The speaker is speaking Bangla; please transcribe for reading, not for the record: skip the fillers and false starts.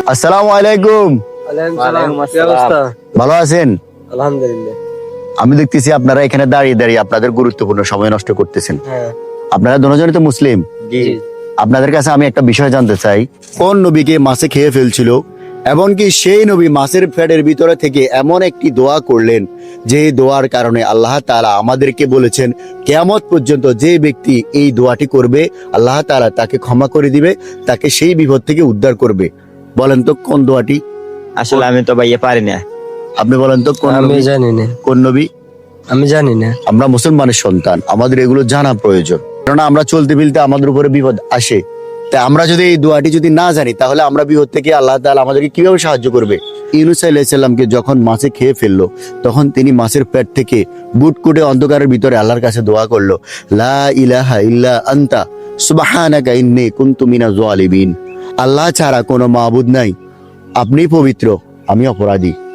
আসসালামু আলাইকুম। ওয়ালাইকুম আসসালাম। ভালো আছেন? আলহামদুলিল্লাহ। আমি দেখতেছি আপনারা এখানে দাঁড়িয়ে দাঁড়িয়ে আপনাদের গুরুত্বপূর্ণ সময় নষ্ট করতেছেন। হ্যাঁ। আপনারা দুজনই তো মুসলিম। জি। আপনাদের কাছে আমি একটা বিষয় জানতে চাই, কোন নবীকে মাছে খেয়ে ফেলছিল, এমনকি সেই নবী মাছের পেটের ভিতরে থেকে এমন একটি দোয়া করলেন যে দোয়ার কারণে আল্লাহ তাআলা আমাদেরকে বলেছেন কিয়ামত পর্যন্ত যে ব্যক্তি এই দোয়াটি করবে আল্লাহ তাআলা তাকে ক্ষমা করে দিবে, তাকে সেই বিপদ থেকে উদ্ধার করবে। বলেন তো কোন দোয়াটি? আসলে আমি তো ভাইয়া পারি না। আপনি বলেন তো কোন আমি নবী? জানি না। কোন নবী? আমি জানি না। আমরা মুসলমানের সন্তান, আমাদের এগুলো জানা প্রয়োজন, কেননা আমরা চলতে ফিরতে আমাদের উপরে বিপদ আসে। তাই আমরা যদি এই দোয়াটি যদি না জানি তাহলে আমরা বিপদ থেকে আল্লাহ তাআলা আমাদেরকে কিভাবে সাহায্য করবে? ইউনূস আলাইহিস সালামকে যখন মাছে খেয়ে ফেললো তখন তিনি মাছের পেট থেকে বুটকুটে অন্ধকারের ভিতরে আল্লাহর কাছে দোয়া করলো, লা ইলাহা ইল্লা আনতা সুবহানাকা ইন্নী কুনতু মিনাজ জালিমিন। আল্লাহ ছাড়া কোনো মাবুদ নাই, আপনি পবিত্র, আমি অপরাধী।